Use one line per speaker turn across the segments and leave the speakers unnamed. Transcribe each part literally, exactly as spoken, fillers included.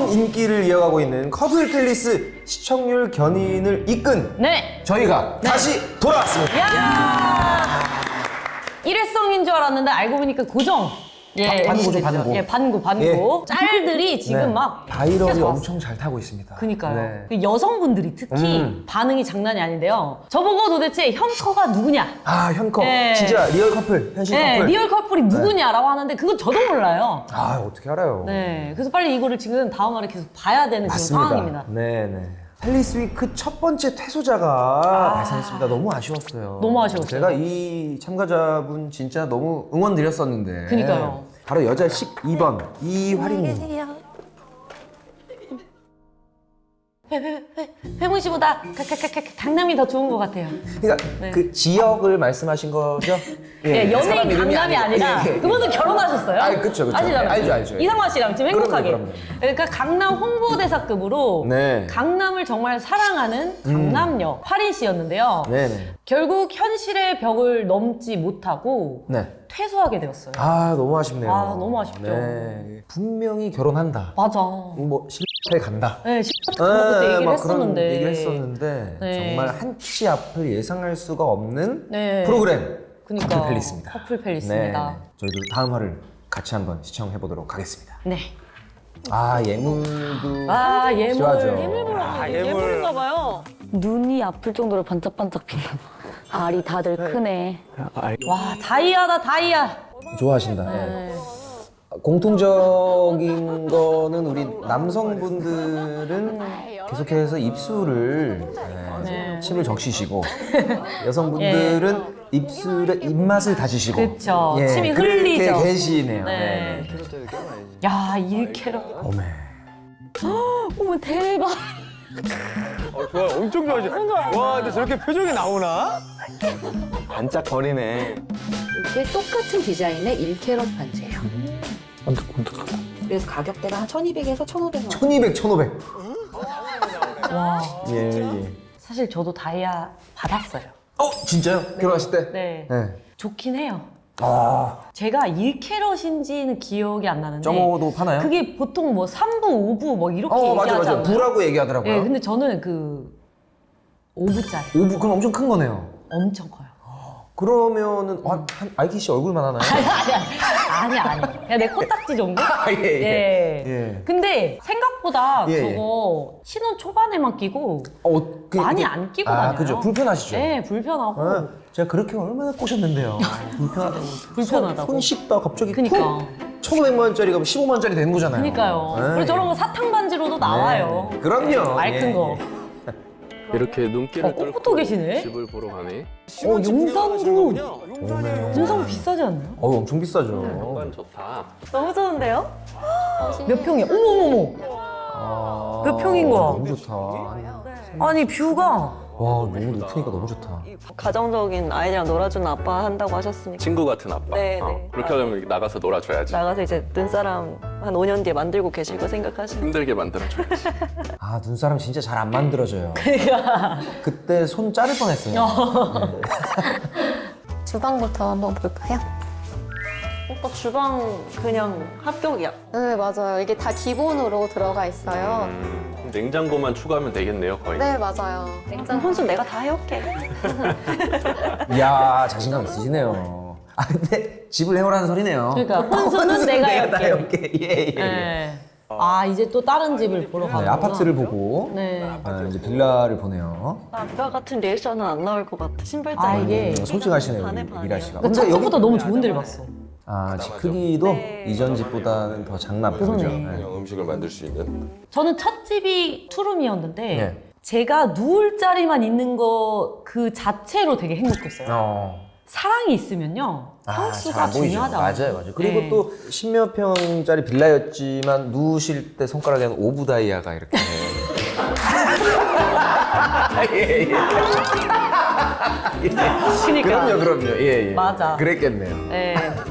뜨거운 인기를 이어가고 있는 커플 팰리스 시청률 견인을 이끈
네.
저희가
네.
다시 돌아왔습니다.
야! 일회성인 줄 알았는데 알고 보니까 고정. 예,
바- 반구죠,
엠시됐죠.
반구.
예, 반구, 반구. 짤들이 지금
네.
막
바이럴이
계속
엄청 잘 타고 있습니다.
그니까요.
네.
그 여성분들이 특히
음.
반응이 장난이 아닌데요. 저보고 도대체 현커가 누구냐?
아, 현커.
네.
진짜 리얼 커플, 현실
네,
커플.
리얼 커플이 누구냐라고 하는데 그건 저도 몰라요.
아, 어떻게 알아요?
네, 그래서 빨리 이거를 지금 다음화를 계속 봐야 되는 그런 상황입니다.
네, 네. 팰리스 위크 첫 번째 퇴소자가 발생했습니다. 너무 아쉬웠어요.
너무 아쉬웠어요.
제가 이 참가자분 진짜 너무 응원 드렸었는데.
그니까요.
바로 여자 십이 번 이화린님.
회문 씨보다 가- 가- 가- 가- 강남이 더 좋은 것 같아요.
그러니까
네.
그 지역을 말씀하신 거죠?
예, 연예인
사람 이름이
강남이 아니라
예, 예, 예.
그분은 결혼하셨어요.
아, 그쵸, 그쵸.
아시잖아요.
알죠, 알죠.
이상화 씨랑 지금
그럼요,
행복하게.
그럼요.
그러니까 강남 홍보대사급으로
네.
강남을 정말 사랑하는 강남역 화린 씨였는데요.
네네.
결국 현실의 벽을 넘지 못하고
네.
퇴소하게 되었어요.
아, 너무 아쉽네요.
아, 너무 아쉽죠.
네. 분명히 결혼한다.
맞아.
뭐 실패 간다.
네, 십팔 그때 얘기를
막
했었는데.
그런 얘기를 했었는데
네.
정말 한 치 앞을 예상할 수가 없는
네.
프로그램
그러니까
커플 팰리스입니다.
커플 팰리스입니다.
네. 저희도 다음 화를 같이 한번 시청해 보도록 하겠습니다.
네.
아, 예물도
아, 예물.
좋아하죠.
예물 보러
아,
예물.
예물.
예물인가 봐요.
눈이 아플 정도로 반짝반짝 빛나. 알이 다들 크네.
와, 다이아다, 다이아.
좋아하신다. 예.
네.
공통적인 거는 우리 남성분들은 계속해서 입술을 예,
네.
침을 적시시고 여성분들은 입술에 입맛을 다지시고
그쵸.
예,
침이
그렇게
흘리죠.
계시네요.
네.
네.
야, 일 캐럿.
어메.
어머 대박.
어, 좋아, 엄청 좋아하시. 와, 근데 저렇게 표정이 나오나? 반짝거리네.
이게 똑같은 디자인의 일 캐럿 반지예요. 그래서 가격대가 한 천이백에서 천오백 원.
천이백, 천오백.
와.
예, 예.
사실 저도 다이아 받았어요.
어, 진짜요? 결혼하실 때?
네.
네.
좋긴 해요.
아,
제가 일 캐럿인지는 기억이 안 나는데.
점오도 파나요?
그게 보통 뭐 삼 부, 오 부 뭐 이렇게
어, 맞아,
얘기하지
맞아.
않나요?
부라고 얘기하더라고요.
예, 근데 저는 그 오 부짜리
오 부, 그럼 엄청 큰 거네요.
엄청 커요.
그러면은 한, 한 아이키 씨 얼굴만 하나요?
아니, 아니, 아니, 아니. 그냥 내 코딱지 정도?
아, 예, 예.
예.
예.
근데 생각보다
예, 예.
저거 신혼 초반에만 끼고
어, 그,
많이
그-
안 끼고
아,
다녀요.
그죠. 불편하시죠?
네, 불편하고
아, 제가 그렇게 얼마나 꼬셨는데요. 불편하다고.
불편하다고.
손 씻다 갑자기
그니까.
푹 천오백만 원짜리가 십오만 원짜리 되는 거잖아요.
그러니까요.
네.
그리고 저런 거 사탕 반지로도 나와요.
네. 그럼요.
맑은
예,
거.
이렇게 눈길을
어, 꼿꼿도 계시네.
집을 보러 가네.
어, 용산구.
오메.
용산구 비싸지 않나요?
어, 엄청 비싸죠.
공간 좋다.
너무 좋은데요? 몇 평이야? 어머머머.
아,
몇 평인 거야?
너무 좋다.
아니 뷰가.
와, 너무 높으니까 너무 좋다.
가정적인 아이들이랑 놀아주는 아빠 한다고 하셨으니까
친구 같은 아빠.
네,
어,
네.
그렇게 하려면 나가서 놀아줘야지.
나가서 이제 눈사람 한 오 년 뒤에 만들고 계실 거 생각하시면
힘들게 만들어줘야지.
아, 눈사람 진짜 잘 안 만들어져요. 그때 손 자를 뻔했어요.
주방부터 한번 볼까요?
오빠 주방 그냥 합격이야.
네, 맞아요. 이게 다 기본으로 들어가 있어요.
음, 냉장고만 추가하면 되겠네요, 거의.
네, 맞아요.
냉장 혼수 내가 다 해올게.
이야, 자신감 있으시네요. 아, 근데 집을 해오라는 소리네요.
그러니까 혼수는 내가
다
해올게.
해올게. 예, 예.
네. 아 이제 또 다른 집을 보러
네,
가는구나.
아파트를 보고
네.
아, 이제 빌라를 보내요.
아까 같은 리액션은 안 나올 것 같아. 신발장.
아, 이게-
음, 솔직하시네요,
반에
우리
반이에요.
미라 씨가.
근데 첫 집부터 너무 좋은 데를 봤어.
아, 집 크기도
네.
이전 집보다는 더 작나 보죠.
그러네.
네.
음식을 만들 수 있는.
저는 첫 집이 투룸이었는데
네.
제가 누울 자리만 있는 거 그 자체로 되게 행복했어요.
어.
사랑이 있으면요
아,
평수가
잘 안 보이죠.
중요하잖아요.
맞아요, 맞아요. 그리고
네.
또 십몇 평짜리 빌라였지만 누우실 때 손가락에는 오브 다이아가 이렇게. 예, 예.
그러니까.
그럼요, 그럼요. 예, 예.
맞아.
그랬겠네요.
네.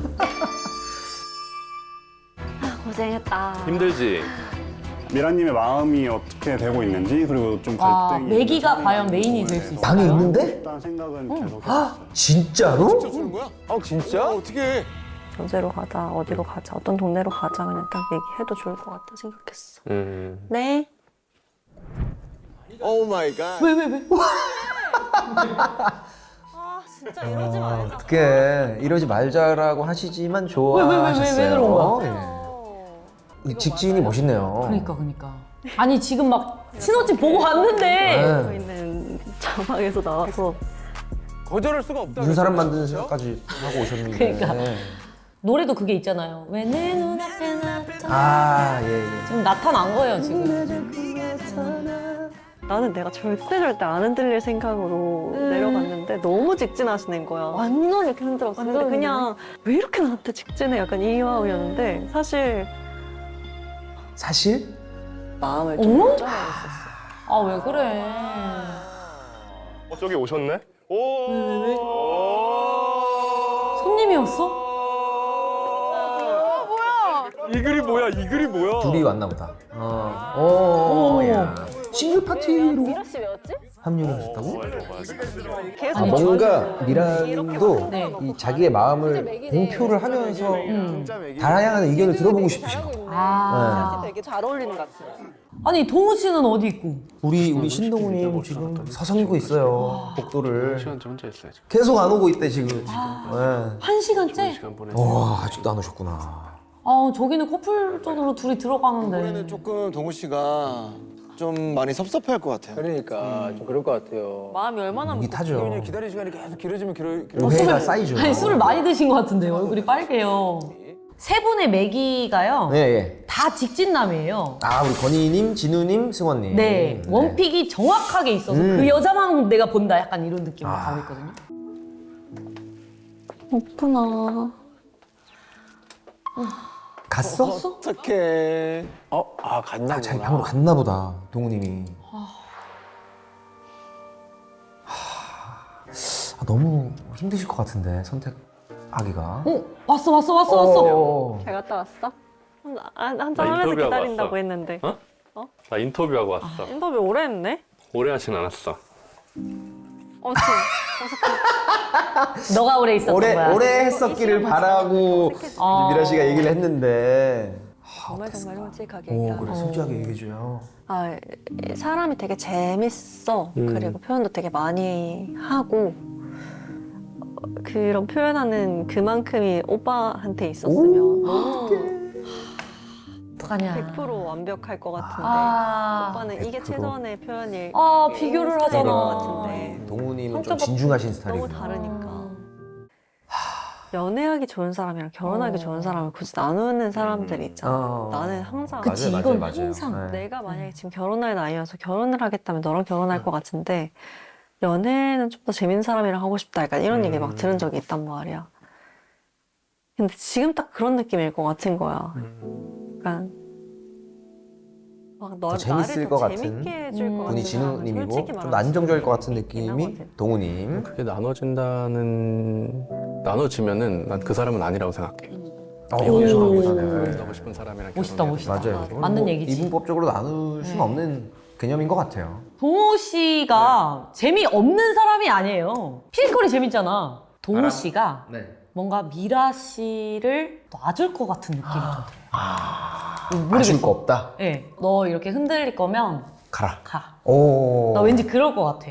고생했다.
힘들지?
미라님의 마음이 어떻게 되고 있는지 그리고 좀
아,
갈등이
매기가 과연 메인이 될 수 있을까요?
방이 있는데?
일단 생각은 계속
아, 진짜로?
아, 진짜? 어떻게?
연세로 가자, 어디로 가자, 어떤 동네로 가자 그냥 딱 얘기해도 좋을 것 같다 생각했어.
음.
네.
오 마이 갓.
왜, 왜, 왜?
아 진짜 이러지 말자.
어떻게 이러지 말자라고 하시지만
왜, 왜, 왜, 왜, 왜
좋아하셨어요.
그런 거야?
예. 이 직진이 멋있네요.
그러니까, 그러니까. 아니, 지금 막 신혼집 보고 왔는데.
네.
저희는 자막에서 나와서
거절할 수가 없다.
눈사람 만드는 생각까지 하고 오셨는데.
그러니까. 노래도 그게 있잖아요. 왜 내 눈앞에 나타나.
아, 예, 예.
지금 나타난 거예요, 지금.
나는 내가 절대 절대 안 흔들릴 생각으로 내려갔는데 너무 직진하시는 거야. 완전 이렇게 흔들었어. 근데 그냥 왜 이렇게 나한테 직진해? 약간 이 마음이었는데 사실
사실?
마음을 좀
어머?
걱정하고 있었어.
아, 왜 그래.
어, 저기 오셨네? 오.
왜, 왜, 왜?
오.
손님이었어?
이 글이 뭐야? 이 글이 뭐야?
둘이 왔나 보다. 어. 오,
어머.
야. 싱글 파티로
미라씨 왜였지?
합류를 하셨다고?
계속
아, 뭔가 미란도
네.
이 자기의 마음을 공표를 하면서
음.
다양한 의견을 들어보고 싶으신 거.
아.
되게 잘 어울리는 것 같아.
아니, 동우 씨는 어디 있고?
우리 우리 신동우님 지금 서성이고 있어요. 복도를
시간 좀 혼자 있어야지.
계속 안 오고 있대 지금. 네.
한 시간째?
시간 보내지.
와 아직도 안 오셨구나.
아, 저기는 커플존으로 둘이
이번에는
들어가는데.
조금 동우 씨가 좀 많이 섭섭해할 것 같아요.
그러니까 좀 그럴 것 같아요.
마음이 얼마나
목이 타죠.
그냥 기다릴 시간이 계속 길어지면 길어. 길어.
오해가 쌓이죠.
아니, 술을 많이 드신 것 같은데 얼굴이 빨개요. 세 분의 매기가요.
네, 예.
다 직진남이에요.
아 우리 건희님, 진우님, 승원님.
네, 원픽이 정확하게 있어서
음.
그 여자만 내가 본다 약간 이런 느낌으로
아.
가고 있거든요.
없구나.
갔어?
어떡해.
어, 아 갔나
아, 자기
보구나.
방으로 갔나 보다. 동우님이. 아, 너무 힘드실 것 같은데 선택하기가.
어, 왔어, 왔어, 왔어, 왔어.
어.
잘 갔다 왔어? 한, 한잔
나
하면서
인터뷰하고
기다린다고
왔어.
했는데
어? 나 인터뷰하고 왔어.
인터뷰 오래 했네?
오래 하진 않았어.
어떻게?
너가 오래 있었던
오래
거야.
오래 했었기를 바라고
어.
미라 씨가 얘기를 했는데.
정말 정말 솔직하게
오
얘기하고
그래 솔직하게 얘기해줘요.
아, 이 사람이 되게 재밌어.
음.
그리고 표현도 되게 많이 하고 어, 그런 표현하는 그만큼이 오빠한테 있었으면 너무
어떡하냐.
백 퍼센트 완벽할 것 같은데
아,
오빠는 이게
백 퍼센트.
최선의 표현일
아, 비교를
스타일인 것
하잖아.
같은데
동우님은 좀
성격가
진중하신 스타일이고.
너무 다르니까 연애하기 좋은 사람이랑 결혼하기
어.
좋은 사람을 굳이 나누는 사람들이 있잖아.
어.
나는 항상
그치,
맞아요,
이건
맞아요, 맞아요.
항상.
네.
내가 만약에 지금 결혼할 나이여서 결혼을 하겠다면 너랑 결혼할 것 같은데 연애는 좀 더 재밌는 사람이랑 하고 싶다 약간 이런 얘기 막 들은 적이 있단 말이야. 근데 지금 딱 그런 느낌일 것 같은 거야. 약간 막 너,
더 재밌을
나를
것
더
같은
재밌게 해줄 것 같은
분이
사람은
진우님이고
솔직히
좀
말하면
안정적일 것 같은
있긴
느낌이
하거든.
동우님.
그게 나눠진다는 나눠지면은 난 그 사람은 아니라고 생각해.
어,
오.
멋있네.
나고 싶은 사람이랑
멋있다,
결혼해야
멋있다.
돼.
맞아요.
맞는
뭐
얘기지.
이분법적으로 나눌 수는
네.
없는 개념인 것 같아요.
동우 씨가 재미없는 사람이 아니에요. 필거리 재밌잖아. 동우 씨가
네.
뭔가 미라 씨를 놔줄 것 같은 느낌이 좀 들어요.
아쉬울 거 없다.
네, 너 이렇게 흔들릴 거면
가라.
가.
오.
나 왠지 그럴 것 같아.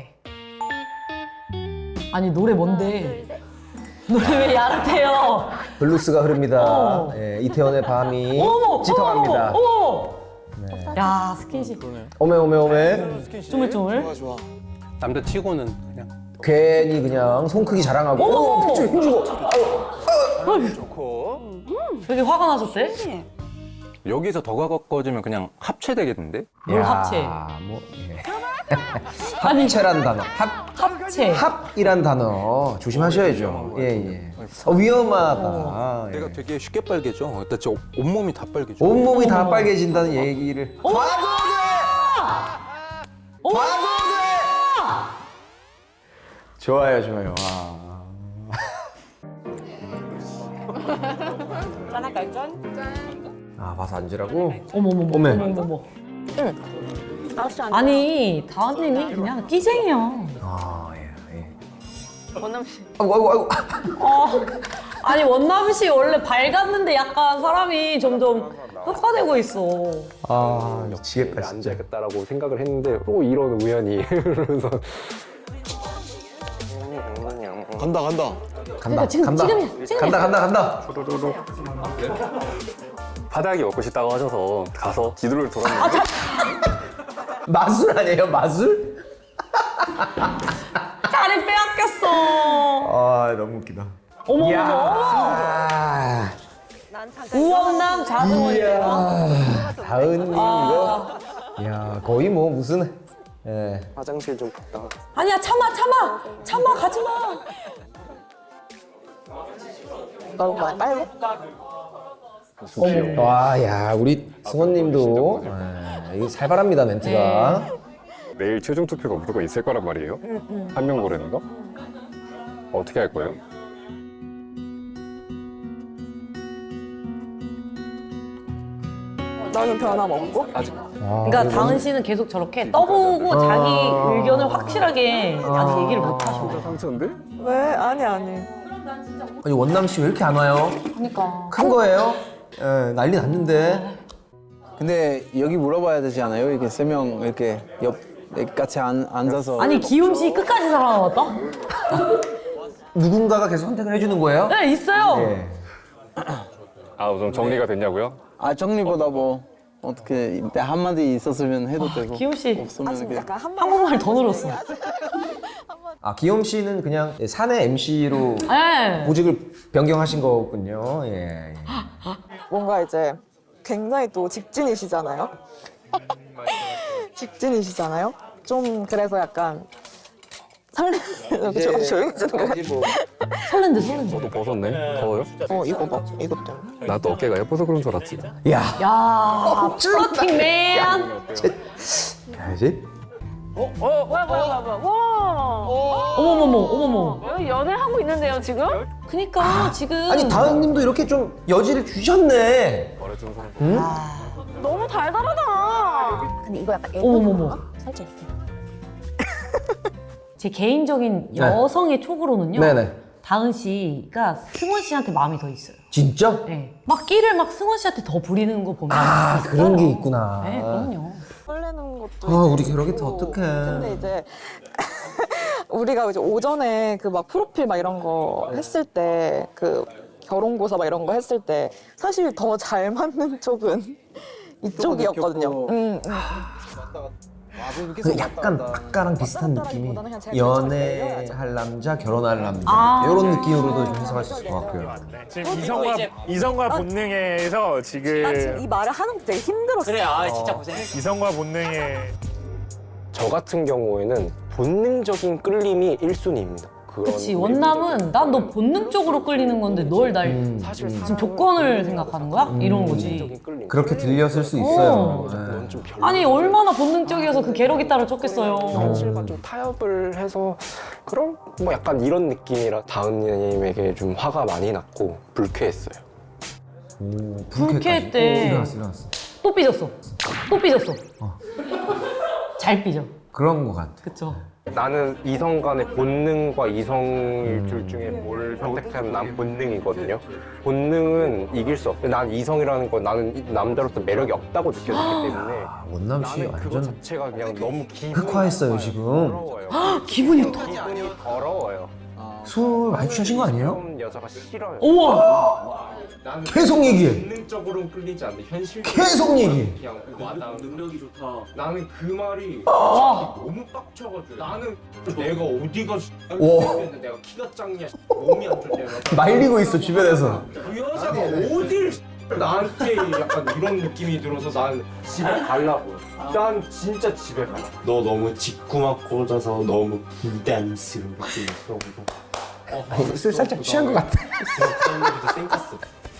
아니 노래 뭔데? 노래 왜 야릇해요?
블루스가 흐릅니다.
어.
예, 이태원의 밤이
어머,
짙어갑니다.
어머, 어머.
네.
야 스킨십
오메 오메 오메.
쪼물쪼물.
좋아 좋아.
남자 치고는 그냥
괜히 그냥 손 크기 자랑하고.
어머,
어,
어머.
픽줄 힘주고.
좋고.
왜 이렇게 화가 나셨대?
여기서 더 가까워지면 그냥 합체되겠는데?
뭘
야,
합체?
뭐, 예.
아니
합체란 단어. 합
합체.
합이란 단어 조심하셔야죠. 예 예. 어, 위험하다. 예.
내가 되게 쉽게 빨개져. 나 진짜 온몸이 다 빨개져.
온몸이 다 빨개진다는 얘기를.
어머!
봐도
어머!
돼. 봐도 돼. 좋아요 좋아요. 와. 아 봐서 앉으라고?
어머머머.
어메.
어머머머. 아니 다은님이 그냥 끼쟁이야.
아 예. 예.
권남 씨.
아이고 아이고 아이고.
아, 아니 원남 씨 원래 밝았는데 약간 사람이 점점 흑화되고 있어.
아 미치겠다 진짜.
앉아야겠다라고 생각을 했는데 또 이런 우연히 그래서
간다 간다.
간다
그러니까 지금,
간다
지금이야, 지금이야.
간다 간다 간다.
바닥이 먹고 싶다고 하셔서 가서 지도를 돌았는데
마술 아니에요 마술?
자리 빼앗겼어.
아 너무 웃기다.
어머
이야.
어머
아,
우원남 자승원이에요.
다은님 이거. 야 거의 뭐 무슨. 예.
화장실 좀 갔다.
아니야 참아 참아 참아 가지 마.
너무 많이 빨리.
와, 야 우리 승원님도 예, 이게 살벌합니다 멘트가.
내일 최종 투표가 무조건 있을 거란 말이에요. 한 명 고르는 거? 어떻게 할 거예요?
너는 변함없고?
그러니까 다은 씨는 계속 저렇게 떠보고 자기 의견을 확실하게 아직 얘기를 못 하셔.
상처인데?
왜? 아니 아니.
아니 원남 씨 왜 이렇게 안 와요?
그러니까.
큰 거예요? 예, 난리 났는데.
근데 여기 물어봐야 되지 않아요? 이렇게 세 명 이렇게 옆 같이 앉, 앉아서.
아니 기욤 씨 끝까지 살아남았다?
누군가가 계속 선택을 해주는 거예요?
네 있어요.
예.
아, 우선 정리가 됐냐고요?
아 정리보다 뭐 어떻게 이때 한마디 있었으면 해도 되고.
기욤 씨
없으면 이렇게.
약간 한
한국말 더 늘었어.
아 기욤 씨는 그냥 사내 엠씨로
네.
보직을 변경하신 거군요. 예. 예.
뭔가 이제 굉장히 또 직진이시잖아요. 직진이시잖아요. 좀 그래서 약간 설레. 조- 조용해지는 거 같아.
뭐
설렌데 설렌데.
저도 벗었네. 더워요?
어 이거 봐. 이것 때문에.
나도 어깨가 예뻐서 그런 줄 알았지.
야.
야 플러팅 맨.
가야지.
어머머머 어머머.
연애하고 있는데요, 지금?
그니까 지금.
아니 다은님도 이렇게 좀 여지를 주셨네.
말해준 사람.
너무 달달하다.
근데 이거 약간
어머머머.
살짝 이렇게.
제 개인적인
네.
여성의 촉으로는요.
네네.
다은 씨가 승원 씨한테 마음이 더 있어요.
진짜?
네. 막 끼를 막 승원 씨한테 더 부리는 거 보면.
아
있어요.
그런 게 있구나.
네, 그럼요.
설레는 것도.
아,
이제
우리 게러게트
있고.
어떡해.
근데 이제 우리가 이제 오전에 그 막 프로필 막 이런 거 했을 때 그 결혼고사 막 이런 거 했을 때 사실 더 잘 맞는 쪽은 이쪽이었거든요.
느꼈고.
음, 음.
그 약간 아까랑 비슷한 느낌이 연애할 남자, 결혼할 남자
아.
이런 느낌으로도 좀 해석할 수 있을 것 같고요.
지금 이성과 이성과 본능에서 지금
이 말을 하는 게 되게 힘들었어. 그래, 아,
이성과 본능에
저 같은 경우에는 본능적인 끌림이 일 순위입니다.
그치 원남은 난 너 본능적으로 끌리는 건데 널 날
음,
지금 조건을 생각하는 거야? 이런 거지.
그렇게 들렸을 수 있어요.
어.
네.
넌 좀 별로.
아니 얼마나 본능적이어서 그 게러기 따라 쫓겠어요.
현실과 좀 타협을 해서 그럼 뭐 약간 이런 느낌이라 다은님에게 좀 화가 많이 났고 불쾌했어요.
오,
불쾌했대.
오, 일어났어, 일어났어.
또 삐졌어. 또 삐졌어. 잘 삐져.
그런 것 같아.
그쵸.
나는 이성 간의 본능과 이성일 둘 중에 뭘 선택하면 난 본능이거든요. 본능은 이길 수 없고 난 이성이라는 건 나는 남자로서 매력이 없다고 느껴졌기 때문에
아, 원남 씨
나는 그거
완전
자체가 그냥 너무 기분이
흑화했어요 지금.
더러워요.
기분이 더.
기분이 더러워요.
술 많이 취하신 거 아니에요?
그런 여자가 싫어요.
우와.
계속 얘기해.
본능적으로는 끌리지 않는데 현실
계속 얘기해.
그냥 와닿은 능력이 좋다. 나는 그 말이
와.
너무 빡쳐가지고 나는 내가 어디가
와.
내가 키가 작냐 몸이 안 좋냐
말리고 있어 주변에서.
그 여자가 어딜 나한테 약간 이런 느낌이 들어서 난 집에 가려고. 난 진짜 집에 가. 너 너무 직구만 꽂아서 너무 부담스럽게 있어.
아니, 술 살짝 취한 것 같아.
쌩깠어.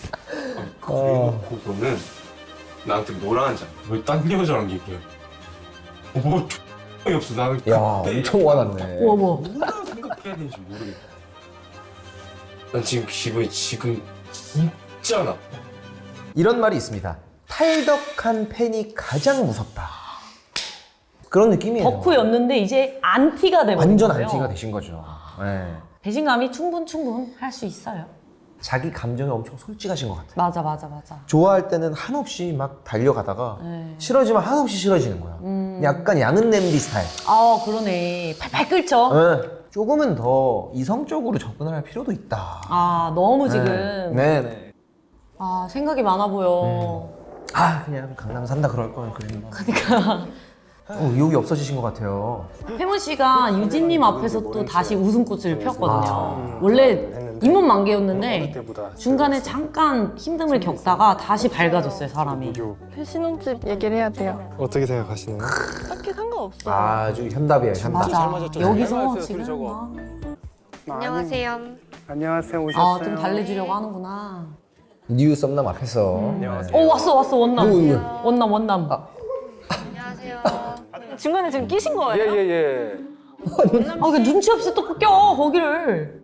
그래놓고 너는 나한테 뭐라 하는지 알아? 왜 딴 여자랑 얘기해? 뭐 X이 없어. 나는
야 엄청 화났네.
우와 우와.
뭐라 생각해야 되는지 모르겠어. 난 지금 기분이 지금 진짜 나빠.
이런 말이 있습니다. 탈덕한 팬이 가장 무섭다. 그런 느낌이에요.
덕후였는데 이제 안티가 돼버린
완전
거예요.
안티가 되신 거죠. 네.
배신감이 충분 충분 할 수 있어요.
자기 감정에 엄청 솔직하신 것 같아요.
맞아, 맞아, 맞아.
좋아할 때는 한없이 막 달려가다가
네.
싫어지면 한없이 싫어지는 거야.
음.
약간 양은 냄비 스타일.
아, 그러네. 팔팔 끓죠?
네. 조금은 더 이성적으로 접근할 필요도 있다.
아, 너무 지금.
네, 네.
아, 생각이 많아 보여.
아, 그냥 강남 산다 그럴 걸 그랬나. 그러니까. 어, 의욕이 없어지신 것 같아요.
혜문 씨가 유진님 앞에서 또 다시 웃음꽃을 폈거든요.
아.
원래 잇몸만개였는데 중간에 잠깐 힘듦을 겪다가 다시 밝아졌어요, 사람이.
신혼집 얘기를 해야 돼요.
어떻게 생각하시나요?
딱히 상관없어.
아주 현답이에요, 현답.
맞아. 여기서 지금 막.
안녕하세요.
안녕하세요.
아,
오셨어요?
좀 달래주려고 하는구나.
뉴 썸남 앞에서.
오, 왔어, 왔어, 원남.
누구, 누구?
원남, 원남.
안녕하세요.
중간에 지금 끼신 거예요?
예예 예.
아, 그 눈치 없이 또 껴, 거기를.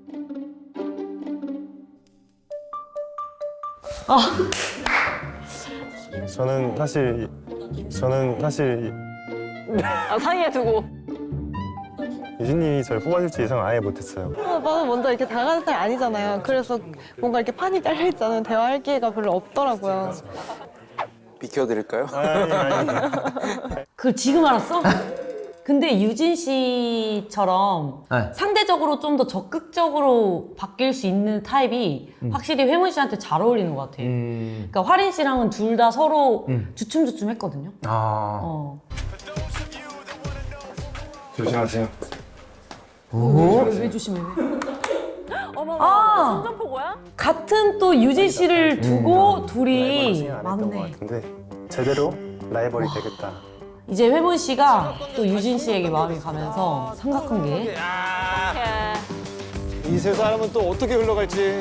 아,
저는 사실 저는 사실
아, 사이에 두고.
유진님이 저를 뽑아줄지 예상 아예 못했어요.
오빠가 먼저 이렇게 다가가는 스타일 아니잖아요. 그래서 뭔가 이렇게 판이 딸려 있잖아요. 대화할 기회가 별로 없더라고요.
비켜드릴까요?
아니 아니.
그걸 지금 알았어? 근데 유진 씨처럼
네.
상대적으로 좀 더 적극적으로 바뀔 수 있는 타입이 확실히 회문 씨한테 잘 어울리는 것 같아.
음.
그러니까 화린 씨랑은 둘 다 서로
음.
주춤주춤 했거든요.
아.
어.
조심하세요.
오?
왜, 왜 조심해? 왜?
어머,
아!
손전포고야?
같은 또 유진 씨를 두고
음.
둘이
안 했던 것
맞네.
같은데 제대로 라이벌이 되겠다.
이제 회문 씨가 또 유진 씨에게 마음이 가면서 생각한 게
이 세 사람은 또 어떻게 흘러갈지.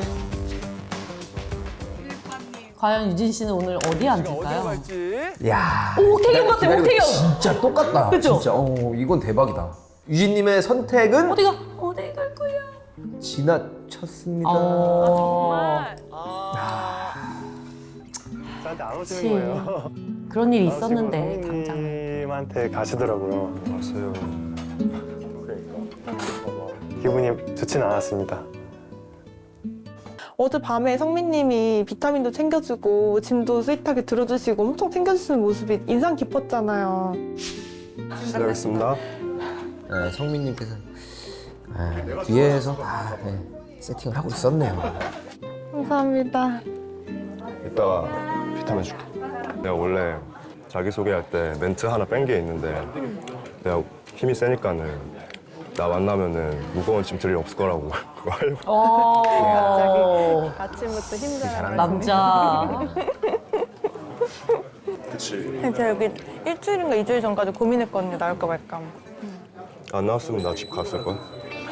과연 유진 씨는 오늘 어디에 앉을까요?
야.
오, 옥태경 같아,
기다리고
옥태경!
진짜 똑같다.
그죠?
진짜. 어, 이건 대박이다. 유진님의 선택은
어디가? 어디 갈 거야?
지나쳤습니다.
어...
저한테 안 오시는
그치.
거예요.
그런 일이 있었는데 당장.
님한테 가시더라고요. 왔어요. 기분이 좋진 않았습니다.
어젯밤에 성민님이 비타민도 챙겨주고 짐도 스윗하게 들어주시고 엄청 챙겨주시는 모습이 인상 깊었잖아요.
실례하겠습니다.
네, 성민님께서 아, 뒤에서 다 네, 세팅을 하고 있었네요.
감사합니다.
이따가 비타민 줄게. 내가 원래 자기소개할 때 멘트 하나 뺀 게 있는데 내가 힘이 세니까는 나 만나면은 무거운 짐 들 일 없을 거라고 그거 하려고.
어...
아침부터 힘들어요.
남자.
그치.
제가 여기 일주일인가 이주일 전까지 고민했거든요. 나올까 말까.
안 나왔으면 나 집 갔을 걸.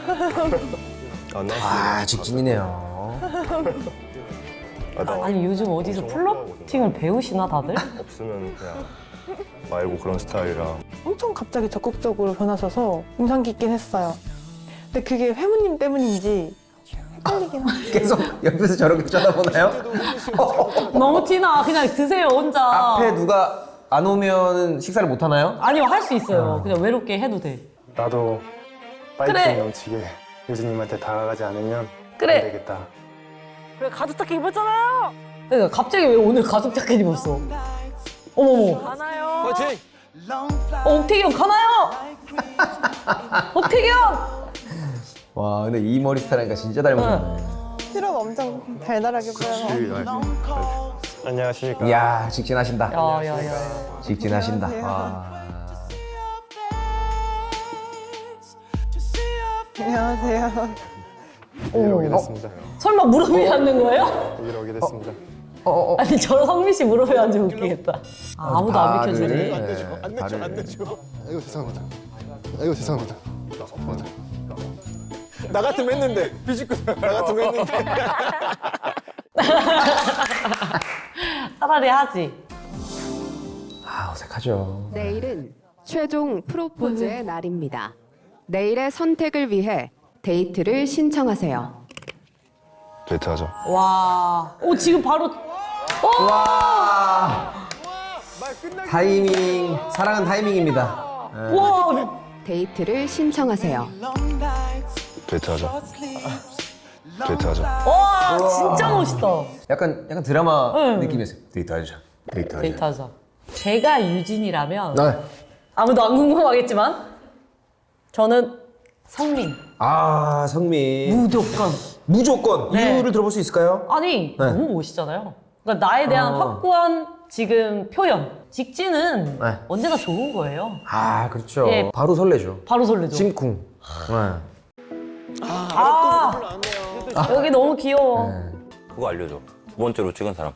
안 나왔으면
아, 직진이네요.
아, 나
아니 요즘 어디서 플러팅을 배우시나 다들?
없으면 그냥 말고 그런 스타일이라.
엄청 갑자기 적극적으로 변하셔서 인상 깊긴 했어요. 근데 그게 회무님 때문인지 헷갈리긴 하죠.
계속 옆에서 저렇게 쳐다보나요?
너무 티나. 그냥 드세요 혼자.
앞에 누가 안 오면 식사를 못 하나요?
아니요 할 수 있어요. 그냥 외롭게 해도 돼.
나도 파이팅
그래.
넘치게 유진님한테 다가가지 않으면
그래.
안 되겠다.
그래, 가죽 자켓 입었잖아요!
그러니까 갑자기 왜 오늘 가죽 자켓 입었어? 어머머.
가나요?
파이팅!
어, 옥태경 가나요? 옥태경!
와, 근데 이 머리 스타일이니까 진짜 닮으셨네.
피로가 엄청 달달하게 보여서.
안녕하십니까.
이야, 직진하신다.
야야야.
직진하신다.
안녕하세요.
와.
안녕하세요.
여기로 오게 됐습니다.
설마 무릎 위에 앉는 거예요?
여기로 오게 됐습니다.
어, 어, 어.
아니 저런 성민 씨 무릎 위에 앉으면 웃기겠다. 아, 아무도 안
발을,
비켜주네.
네,
안 내줘, 안
발을.
내줘. 아이고 죄송합니다. 아이고 죄송합니다. 나 같으면 했는데 비집고 나 같으면 했는데.
차라리 하지.
아, 어색하죠.
내일은 최종 프로포즈의 날입니다. 내일의 선택을 위해 데이트를 신청하세요.
데이트하자.
와. 오 지금 바로. 오!
와. 타이밍, 사랑은 타이밍입니다. 네.
와.
데이트를 신청하세요.
데이트하자. 데이트하자.
와 진짜 멋있다.
약간 약간 드라마
응.
느낌이었어요. 데이트하자. 데이트하자.
데이트하자. 제가 유진이라면
네.
아무도 안 궁금하겠지만 저는 성민.
아 성민.
무조건.
무조건
네.
이유를 들어볼 수 있을까요?
아니
네.
너무 멋있잖아요. 그러니까 나에 대한
어.
확고한 지금 표현. 직진은
네.
언제나 좋은 거예요.
아 그렇죠.
예.
바로 설레죠.
바로 설레죠.
심쿵. 네.
아, 여기 너무 귀여워.
네.
그거 알려줘. 두 번째로 찍은 사람.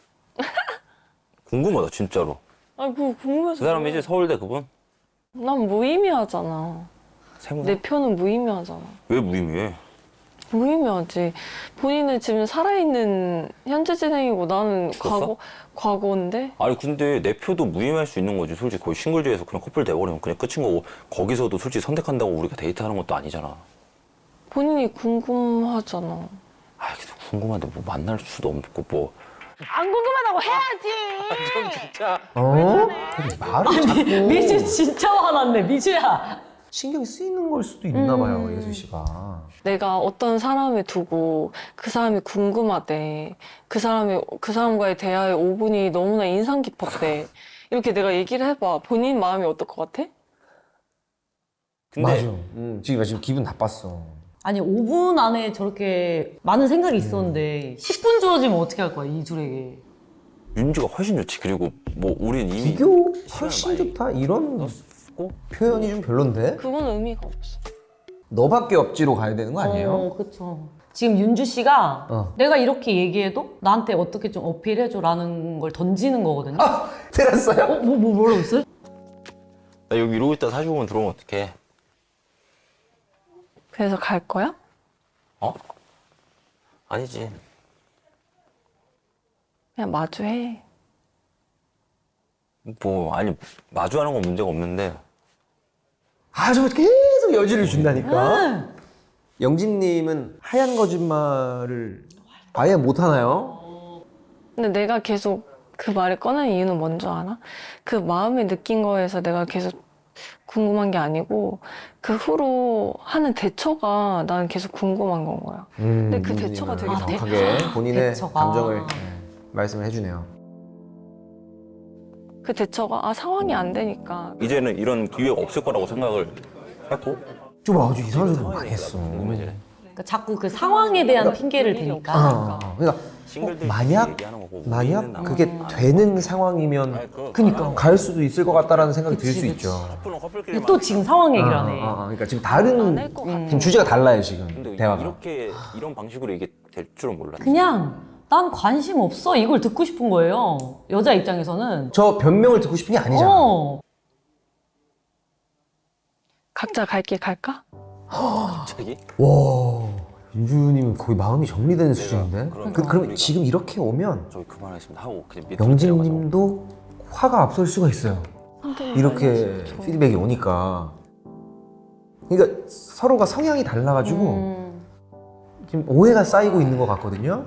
궁금하다 진짜로.
아 그거 궁금해서.
그 사람이지 서울대 그분?
난 무의미하잖아.
세무사?
내 표는 무의미하잖아.
왜 무의미해?
무의미하지. 본인은 지금 살아있는 현재 진행이고 나는
죽었어?
과거 과거인데.
아니 근데 내 표도 무의미할 수 있는 거지. 솔직히 거의 싱글즈에서 그냥 커플 돼버리면 그냥 끝인 거고 거기서도 솔직히 선택한다고 우리가 데이트하는 것도 아니잖아.
본인이 궁금하잖아.
아 계속 궁금한데 뭐 만날 수도 없고 뭐.
안 궁금하다고 해야지.
좀 진짜.
어? 말을 자꾸
미주 진짜 화났네, 미주야.
신경이 쓰이는 걸 수도 있나 봐요, 예수 씨가.
내가 어떤 사람을 두고 그 사람이 궁금하대. 그 사람이 그 사람과의 대화의 오 분이 너무나 인상 깊었대. 이렇게 내가 얘기를 해봐. 본인 마음이 어떨 것 같아?
근데
맞아. 음, 지금 나 지금 기분 나빴어.
아니 오 분 안에 저렇게 많은 생각이 있었는데 십 분 주어지면 어떻게 할 거야, 이 둘에게.
윤주가 훨씬 좋지. 그리고 뭐 우린 이미
비교
시간을
훨씬
많이
좋다 이런
넣었고
표현이 좀 별론데?
그건 의미가 없어.
너밖에 없지로 가야 되는 거 아니에요?
어, 그쵸. 지금 윤주 씨가
어.
내가 이렇게 얘기해도 나한테 어떻게 좀 어필해줘라는 걸 던지는 거거든요.
아! 들었어요?
어? 뭐, 뭐, 뭐라고 했어요?
나 여기 이러고 있다 사십오 분 들어오면 어떡해.
그래서 갈 거야?
어? 아니지.
그냥 마주해.
뭐 아니 마주하는 건 문제가 없는데
아, 저 계속 여지를 준다니까.
응.
영진님은 하얀 거짓말을 아예 못 하나요?
근데 내가 계속 그 말을 꺼낸 이유는 뭔지 알아? 그 마음에 느낀 거에서 내가 계속 궁금한 게 아니고 그 후로 하는 대처가 난 계속 궁금한 건 거야.
음,
근데 그
영진님은
대처가 되게
정확하게
대처.
본인의
대처가.
감정을 네, 말씀을 해주네요.
그 대처가 아 상황이 안 되니까.
이제는 이런 기회가 없을 거라고 생각을 했고
좀 아주 이상한 소리 많이 했어.
그러니까 자꾸 그 상황에 대한 핑계를 대니까.
아, 그러니까 어,
싱글들끼리
만약
얘기하는 거고
만약
우리는
그게 되는 상황이면
아니, 그-
그니까.
갈 수도 있을 것 같다라는 생각이 들 수
그치,
있죠.
커플은 커플끼리만
또 지금 상황 얘기를
아,
하네.
아, 아, 그러니까 지금
안
다른
할 것 같아.
지금 주제가 달라요 지금
근데
대화가.
이렇게 이런 방식으로 이게 될 줄은 몰랐지.
그냥 난 관심 없어 이걸 듣고 싶은 거예요. 여자 입장에서는.
저 변명을 듣고 싶은 게 아니잖아.
어.
각자 갈 길 갈까?
갑자기?
와, 윤주님은 거의 마음이 정리되는 수준인데.
그러니까
그, 그럼
우리가-
지금 이렇게 오면
저희 그만하겠습니다 하고 그냥 밑으로 내려가서
영진님도 화가 앞설 수가 있어요. 이렇게 피드백이 오니까. 그러니까 서로가 성향이 달라가지고
음.
지금 오해가 쌓이고 있는 것 같거든요.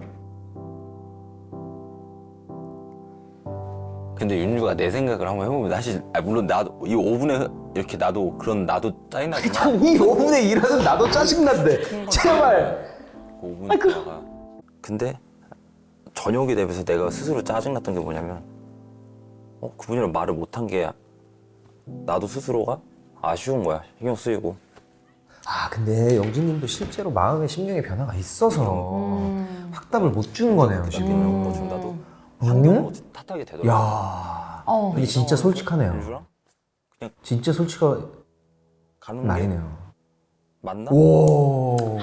근데 윤주가 내 생각을 한번 해보면 사실 아, 물론 나도 이 오 분에 이렇게 나도 그런 나도 짜증나지만
이 오 분의 일하는 나도 짜증난데. 제발.
그 오 분이 지나가. 근데 저녁이 되면서 내가 스스로 짜증났던 게 뭐냐면 어 그분이랑 말을 못한 게 나도 스스로가 아쉬운 거야. 신경 쓰이고.
아 근데 영진님도 실제로 마음의 심경의 변화가 있어서
음.
확답을 못 주는 거네요 지금.
음. 좀 나도
응?
환경을 탓하게 되더라고.
야,
어.
이게 진짜 솔직하네요.
윤주랑
진짜 솔직한
가는 게
말이네요.
맞나?
오.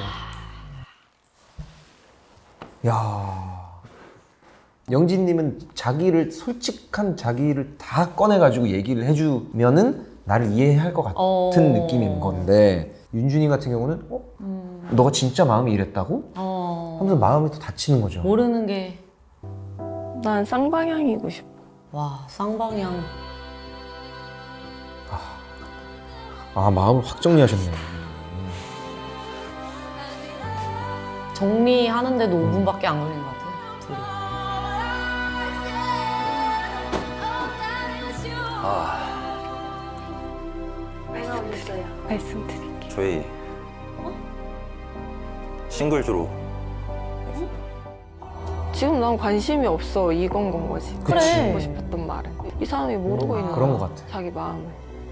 야. 영진님은 자기를 솔직한 자기를 다 꺼내가지고 얘기를 해주면은 나를 이해할 것 같은
어.
느낌인 건데 윤준이 같은 경우는 어?
음.
너가 진짜 마음이 이랬다고?
어.
하면서 마음이 또 다치는 거죠.
모르는 게.
난 쌍방향이고 싶어.
와, 쌍방향.
아 마음을 확 정리하셨네.
정리하는데도 오 분밖에 안 걸린 것 같아요. 둘이.
아
말씀드려요. 말씀드릴게요.
저희 싱글즈로
지금 난 관심이 없어 이건 건 거지.
그래.
듣고 싶었던 말은 이 사람이 모르고 있는
그런
거야,
것 같아.
자기 마음을.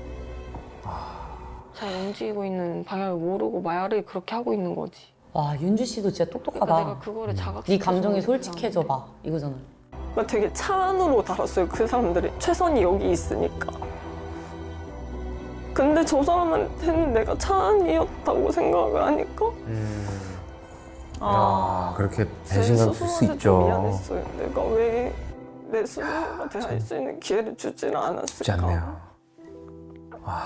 잘 움직이고 있는 방향을 모르고 말을 그렇게 하고 있는 거지.
와 윤주 씨도 진짜 똑똑하다.
그러니까 내가 그거를 자각.
네 감정에 솔직해져 봐 이거잖아.
나 되게 차 안으로 달았어요. 그 사람들이 최선이 여기 있으니까. 근데 저 사람한테는 내가 차 안이었다고 생각을 하니까
아, 그렇게
제
배신감 들 수
스스로한테 좀
있죠.
미안했어요. 내가 왜 내 스스로한테 할 수 있는 기회를 주지는 않았을까.
쉽지 않네요. 와.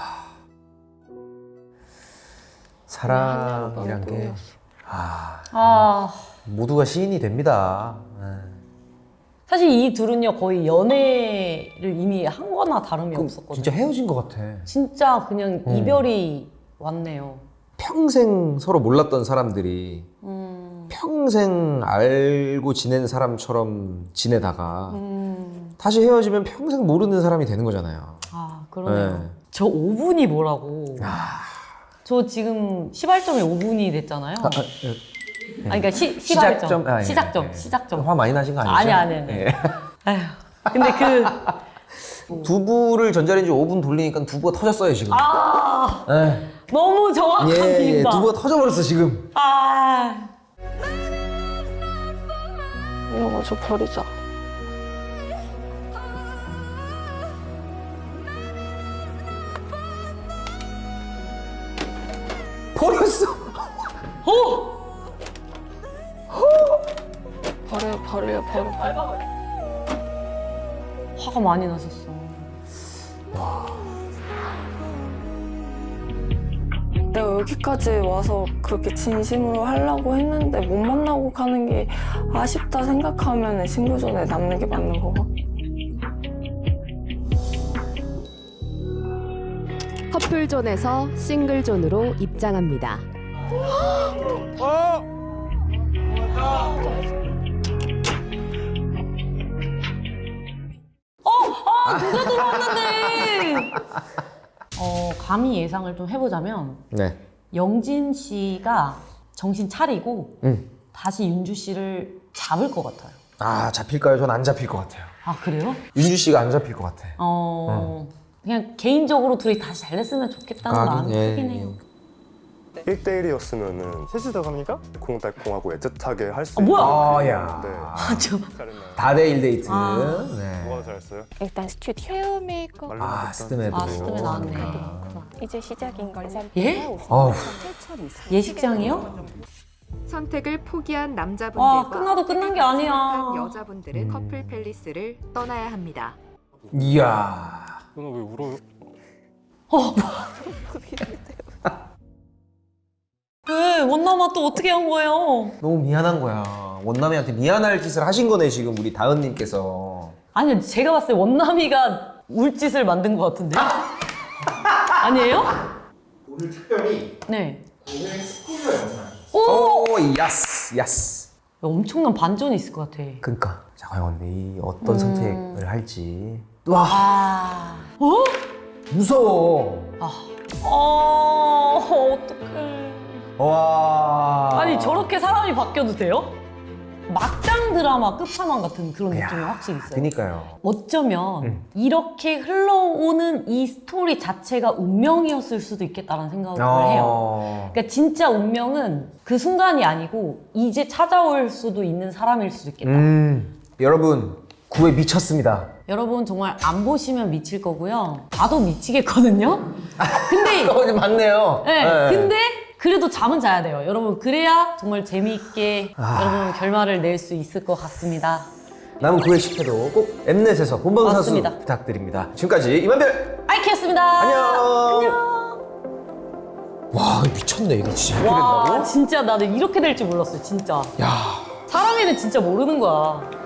사랑이란 게 아,
아
모두가 시인이 됩니다. 네.
사실 이 둘은요 거의 연애를 이미 한 거나 다름이
그럼
없었거든요.
진짜 헤어진 것 같아.
진짜 그냥
음.
이별이 왔네요.
평생 서로 몰랐던 사람들이
음.
평생 알고 지낸 사람처럼 지내다가
음.
다시 헤어지면 평생 모르는 사람이 되는 거잖아요.
아 그러네요.
네.
저 오 분이 뭐라고. 저 지금 시발점이 오 분이 됐잖아요.
아,
아,
예.
그러니까 시, 시발점.
시작점? 아, 예,
시작점.
예.
시작점.
화 많이 나신 거 아니죠?
아니 아니 아니.
예.
아휴. 근데 그
두부를 전자레인지 오 분 돌리니까 두부가 터졌어요 지금.
아,
예.
너무 정확한
예, 예,
비유다.
두부가 터져버렸어 지금.
아.
이런 거 저 버리자.
버렸어.
어?
버려 버려 버려 버려.
화가 많이 나셨어.
내가 여기까지 와서 그렇게 진심으로 하려고 했는데 못 만나고 가는 게 아쉽다 생각하면 신고전에 남는 게 맞는 거고.
커플존에서 싱글존으로 입장합니다.
어, 아, 누가 들어왔는데? 어, 감히 예상을 좀 해보자면
네.
영진 씨가 정신 차리고
응.
다시 윤주 씨를 잡을 것 같아요.
아 잡힐까요? 전 안 잡힐 것 같아요.
아 그래요?
윤주 씨가 안 잡힐 것 같아.
어, 그냥 개인적으로 둘이 다시 잘 됐으면 좋겠다는
하긴,
마음이
예,
크긴
예.
해요.
일 대일이었으면은 셋이서 갑니까? 콩달콩하고 애틋하게 할 수
아, 뭐야?
아, 야.
네.
아, 저...
다대일 데이트.
아.
네.
뭐가 잘했어요?
일단 스튜디오.
헤어 메이크업
아 스드메도.
아, 스드메 나왔네.
이제 시작인 걸
예?
어우.
예식장이요?
선택을 포기한
와,
남자분들과
끝나도 끝난 게 아니야.
여자분들은 커플 팰리스를 떠나야 합니다.
이야.
누나 왜 울어요?
어. 왜? 원남아 또 어떻게 한 거예요?
너무 미안한 거야. 원남이한테 미안할 짓을 하신 거네 지금 우리 다은님께서.
아니 제가 봤을 때 원남이가 울 짓을 만든 것 같은데? 아니에요?
오늘 특별히
네.
오늘 스포일러 영상.
오!
오 야스 야스.
엄청난 반전이 있을 것 같아.
그니까 자 과연 이 어떤
음.
선택을 할지. 와
아. 어?
무서워.
아. 어, 어떡해.
와.
아니 저렇게 사람이 바뀌어도 돼요? 막장 드라마 끝판왕 같은 그런 느낌이 확실히 있어요.
그니까요.
어쩌면
음.
이렇게 흘러오는 이 스토리 자체가 운명이었을 수도 있겠다는 생각을
어.
해요. 그러니까 진짜 운명은 그 순간이 아니고 이제 찾아올 수도 있는 사람일 수도 있겠다.
음 여러분 구에 미쳤습니다.
여러분 정말 안 보시면 미칠 거고요. 봐도 미치겠거든요. 근데
어, 맞네요.
네,
네.
근데 그래도 잠은 자야 돼요. 여러분 그래야 정말 재미있게
아.
여러분 결말을 낼 수 있을 것 같습니다.
남은 구회 십 회도 꼭 엠넷에서 본방사수
맞습니다.
부탁드립니다. 지금까지 이만별
아이키였습니다.
안녕.
안녕.
와 미쳤네 이거 진짜 이렇게
와
된다고?
진짜 나는 이렇게 될 줄 몰랐어요 진짜.
야
사람이는 진짜 모르는 거야.